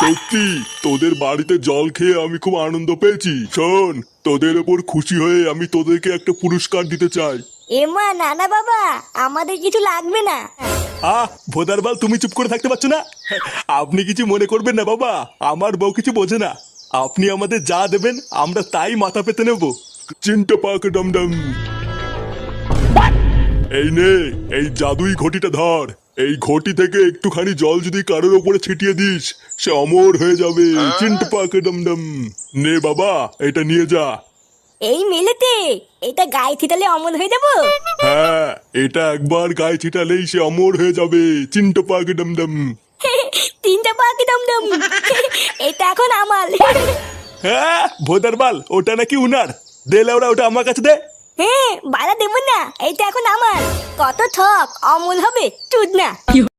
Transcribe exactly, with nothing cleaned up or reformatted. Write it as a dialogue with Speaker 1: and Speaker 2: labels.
Speaker 1: সত্যি তোদের বাড়িতে জল খেয়ে আমি খুব আনন্দ পেয়েছি। শোন, তোদের ওপর খুশি হয়ে আমি তোদেরকে একটা পুরস্কার দিতে চাই।
Speaker 2: এমা না না বাবা, আমাদের কিছু লাগবে না।
Speaker 1: আহ ভোদারবাল, তুমি চুপ করে থাকতে পারছো না? আপনি কিছু মনে করবেন না বাবা, আমার বউ কিছু বোঝে না। আপনি আমাদের যা দেবেন আমরা তাই মাথা পেতে নেব। চিন্তা পাক ডমডম। এই নে, এই জাদুই ঘটিটা ধর। এই ঘটি থেকে একটুখানি জল যদি কারোর ওপরে ছিটিয়ে দিস, সে অমর হয়ে যাবে। চিন্তা পাক ডমডম। নে বাবা, এটা নিয়ে যা।
Speaker 2: এই মেলেতে এটা গায়ে ছিটালে অমল হয়ে যাবো?
Speaker 1: হ্যাঁ, এটা একবার গায়ে ছিটালেই সে অমর হয়ে যাবে। চিন্তা পাক ডমডম।
Speaker 2: তিনটা পাখি দমদম। এটা এখন আমার।
Speaker 1: হ্যাঁ ভোদারবাল, ওটা নাকি উনার। দে লাউরা, ওটা আমার কাছে দে।
Speaker 2: হ্যাঁ বাড়া দেবো না, এটা এখন আমার। কত ঠক, অমল হবে চুদ না।